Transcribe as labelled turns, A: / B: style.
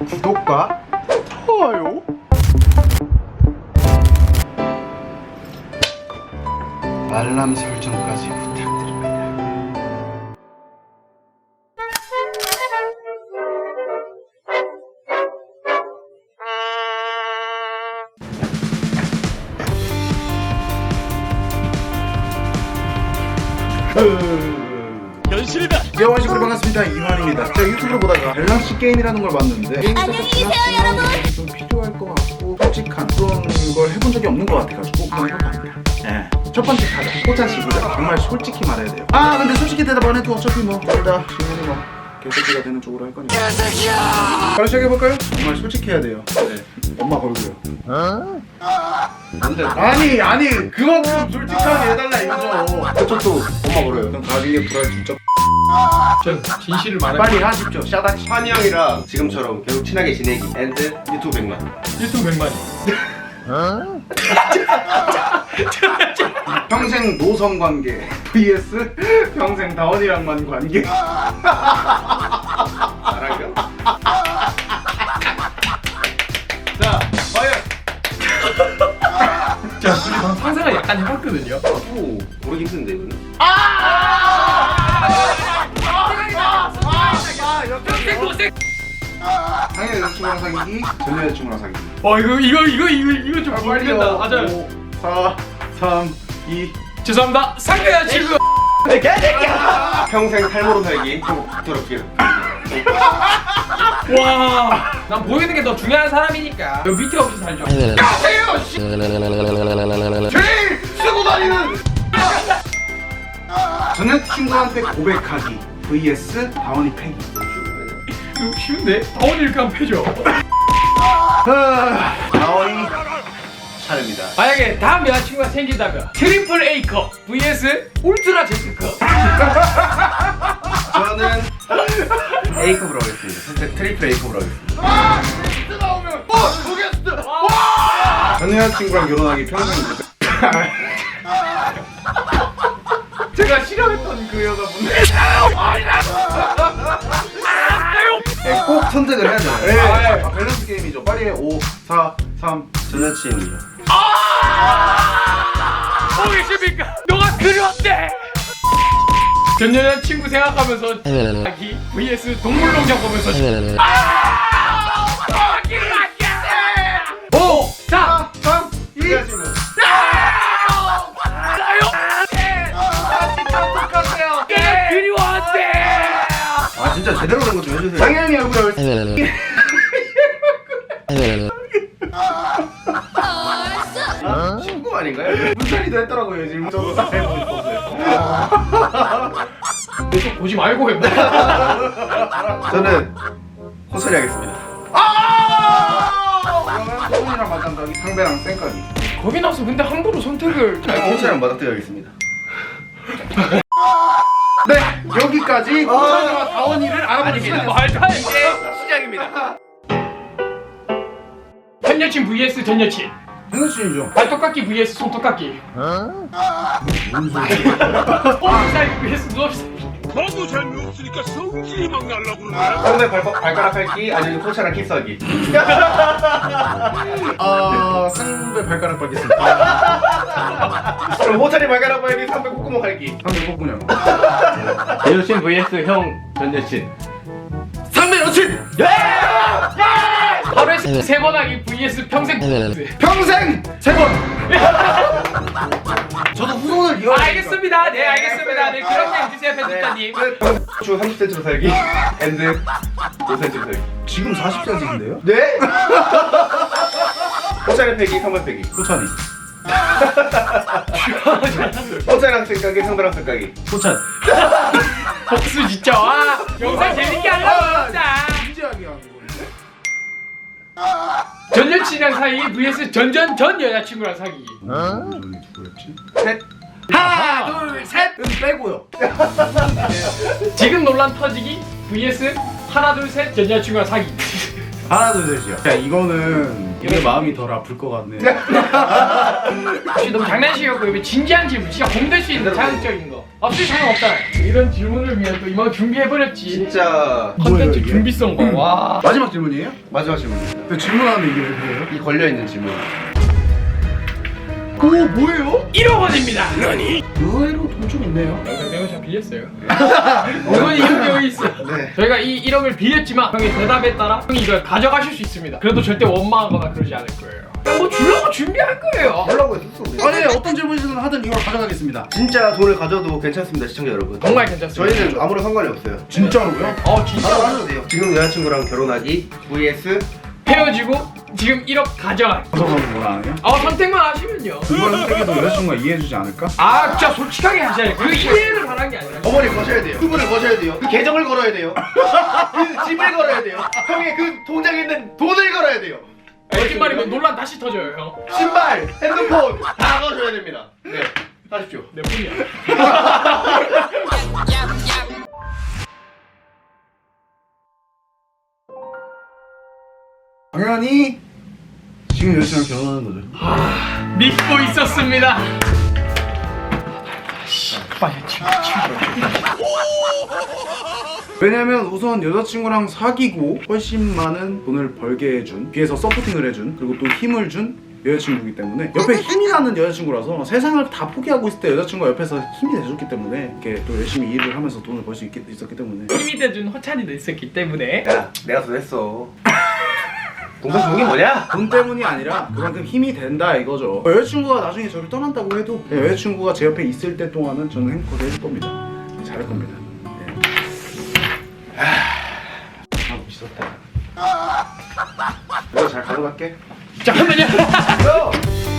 A: 구독과 좋아요, 알람 설정까지 부탁드립니다.
B: 현실이다.
A: 여러분 반갑습니다. 이만입니다. 제가 유튜브를 보다가 밸런스 게임이라는 걸 봤는데
C: 안녕히 계세요, 여러분.
A: 좀 필요할 것 같고 솔직한 그런 걸 해본 적이 없는 것 같아가지고 그런 걸 갑니다. 네. 첫 번째 타자 호자시구자. 정말 솔직히 말해야 돼요. 아 근데 솔직히 대답 안 해도 어차피 뭐 둘 다 지금은 뭐 개새끼가 되는 쪽으로 할 거니까. 바로 시작해볼까요? 정말 솔직해야 돼요. 네. 엄마 걸고요. 아니 그만큼 솔직하게 해달라 이거죠. 그쪽도 엄마 걸어요. 그럼 가비의 불알 진짜
B: 전 진실을 말해.
A: 빨리 하십시오. 샤다치.
D: 환희 형이랑 지금처럼 계속 친하게 지내기 앤드 유튜브 100만.
B: 유튜브 100만이.
A: 평생 노성 관계 vs 평생 다원이랑만 관계.
D: 나랑요? 자, 과연
B: 자, 우리 방 상상을 약간 해봤거든요.
D: 나도 모르기 힘든데 이거는.
A: 당연히 여자친구랑 사귀기, 전 여자친구랑 사귀기.
B: 이거 좀 모르겠다. 맞아요.
A: 5, 4, 3, 2.
B: 죄송합니다. 상대야 지금.
D: 평생 탈모로 살기. 더럽게.
B: 와, 난 보이는 게 더 중요한 사람이니까. 여 밑에 없이 살죠.
D: 가세요. 제일 쓰고 다니는.
A: 전 여자친구한테 고백하기 vs 다원이 패기.
B: 이거 쉬운데? 다원이 이렇게 하면 패죠.
A: 다원이
D: 차례입니다.
B: 만약에 다음 여자친구가 생긴다면 트리플 A컵 vs 울트라 Z컵.
D: 저는 A컵으로 하겠습니다. 선택 트리플 A컵으로 하겠습니다.
A: 전 여자친구랑 결혼하기 평생 고백. 제가 싫어했던 그 여자분.
D: 네, 꼭 선택을 해야 되나요?
A: 네. 밸런스 게임이죠. 빨리 해. 5, 4, 3.
D: 전 여친이요.
B: 보이십니까? 너가 그리웠대. 전 여자친구 생각하면서 하기 vs 동물농장 보면서 5, 4,
A: 3, 2.
B: 나요. 똑같아요. 그리웠대.
D: 아 진짜 제대로 된 거 좀 해주세요.
A: 당연히 얼굴을.
D: 친구 아닌가요?
A: 문철이도 했더라고요. 지금 저도 다 해보고 있었어요.
B: 계속 보지 말고 해.
D: 저는 호소리 하겠습니다.
A: 그러면 손이랑 맞짱가기, 상대랑 쌩까기.
B: 거기 나서 근데 함부로 선택을.
D: 호소리랑 맞닥뜨려야겠습니다.
A: 네, 여기까지 호철이와 다원이를 알아보는
B: 아닙니다.
A: 시간이었습니다.
B: 말도 안 돼. 시작입니다. 현 여친 vs 전 여친.
A: 현수씨죠.
B: 발톱깎기 vs 손톱깎기.
A: 뭔
B: 살 vs 누워있어.
E: 너도 재미없으니까 성질이 막 날라고 그러네.
D: 상대 발가락 핥기 아니면 호차랑 키스하기.
A: 상대 발가락 밟겠습니다.
D: 그럼 호차리 발가락 핥기 상대 콧구멍 핥기.
A: 상대 뽀꾸냐.
D: 여친 vs 형 전 여친.
A: 상대 여친!
B: 하루에 3번 하기 vs 평생.
A: 평생 3번! 저도 후손을 이어.
B: 알겠습니다. 네, 알겠습니다. 네, 그렇게 해주세요, 편집자님.
D: 주 30cm로 살기 앤드 5cm로 살기.
A: 지금 40cm인데요?
D: 네? 호차리 패기 상대 패기.
A: 호찬이.
D: 호차리랑 생각이 상대랑 생각이.
A: 호찬.
B: 복수 진짜. 와, 영상 재밌게 하려고 진짜.
A: 진지하게 하는 건데?
B: 전 여친이랑 사귀기 vs 전 여자친구랑 사귀기.
A: 저기 누구였지?
D: 셋.
B: 하나, 둘, 셋.
A: 빼고요.
B: 지금 논란 터지기 vs 하나, 둘, 셋 전 여자친구랑 사귀기.
A: 하나 둘 셋이요. 자 이거는 내 마음이 덜 아플 것 같네.
B: 혹시 너무 장난식이었고 이거 진지한 질문, 진짜 공될 수 있는 자극적인 거 없을 상관 없잖아요. 이런 질문을 위해 또 이만 준비해버렸지.
D: 진짜
B: 컨텐츠
A: 이게?
B: 준비성 와.
A: 마지막 질문이에요?
D: 마지막 질문입니다.
A: 근데 질문하는데 이게 왜 그래요?
D: 이 걸려있는 질문.
A: 오 뭐예요?
B: 1억 원입니다.
A: 의외로 돈 좀 있네요.
B: 영상 내용 잘 빌렸어요. 이건 이런 경우 있어.
D: 네.
B: 저희가 이 1억을 빌렸지만 형의 대답에 따라 형이 이걸 가져가실 수 있습니다. 그래도 절대 원망하거나 그러지 않을 거예요. 그냥 뭐 주려고 준비할 거예요.
D: 하려고 했었어 우리.
A: 아니 어떤 질문이든 하든 이걸 가져가겠습니다.
D: 진짜 돈을 가져도 괜찮습니다 시청자 여러분.
B: 정말 괜찮습니다.
D: 저희는 아무런 상관이 없어요.
A: 진짜로요?
B: 진짜
D: 바로 하셔도 돼요. 지금 여자친구랑 결혼하기 vs
B: 헤어지고 지금 1억 가져가기.
A: 가져가면 뭐라 안 해요?
B: 선택만 하시면요.
A: 그걸 선택해도 여자친구가 이해해주지 않을까?
B: 진짜 솔직하게 하셔야 돼요. 그 이해를 바란 게 아니라.
D: 어머니 거셔야 돼요. 수분을 거셔야 돼요. 그 계정을 걸어야 돼요. 그 집을 걸어야 돼요. 형의 그 통장에 있는 돈을 걸어야 돼요.
B: 거짓말이면 논란 다시 터져요, 형.
D: 신발, 핸드폰 다 거셔야 됩니다. 네, 하십시오.
B: 내 뿐이야.
A: 당연히 지금 여자친구랑 결혼하는 거죠.
B: 믿고 있었습니다. 빨리 치워.
A: 왜냐면 우선 여자친구랑 사귀고 훨씬 많은 돈을 벌게 해준, 뒤에서 서포팅을 해준, 그리고 또 힘을 준 여자친구이기 때문에 옆에 힘이 나는 여자친구라서 세상을 다 포기하고 있을 때 여자친구가 옆에서 힘이 돼줬기 때문에 이렇게 또 열심히 일을 하면서 돈을 벌 수 있었기 때문에.
B: 힘이 돼준 허찬이도 있었기 때문에.
D: 야, 내가 돈 했어. 동서 주는 게 뭐냐?
A: 돈 때문이 아니라 그만큼 힘이 된다 이거죠. 여자친구가 나중에 저를 떠난다고 해도 여자친구가 제 옆에 있을 때 동안은 저는 행복하게 해줄 겁니다. 잘할 겁니다.
D: 미쳤다. 내가 잘 가져갈게.
B: 잠깐만요.
D: 야!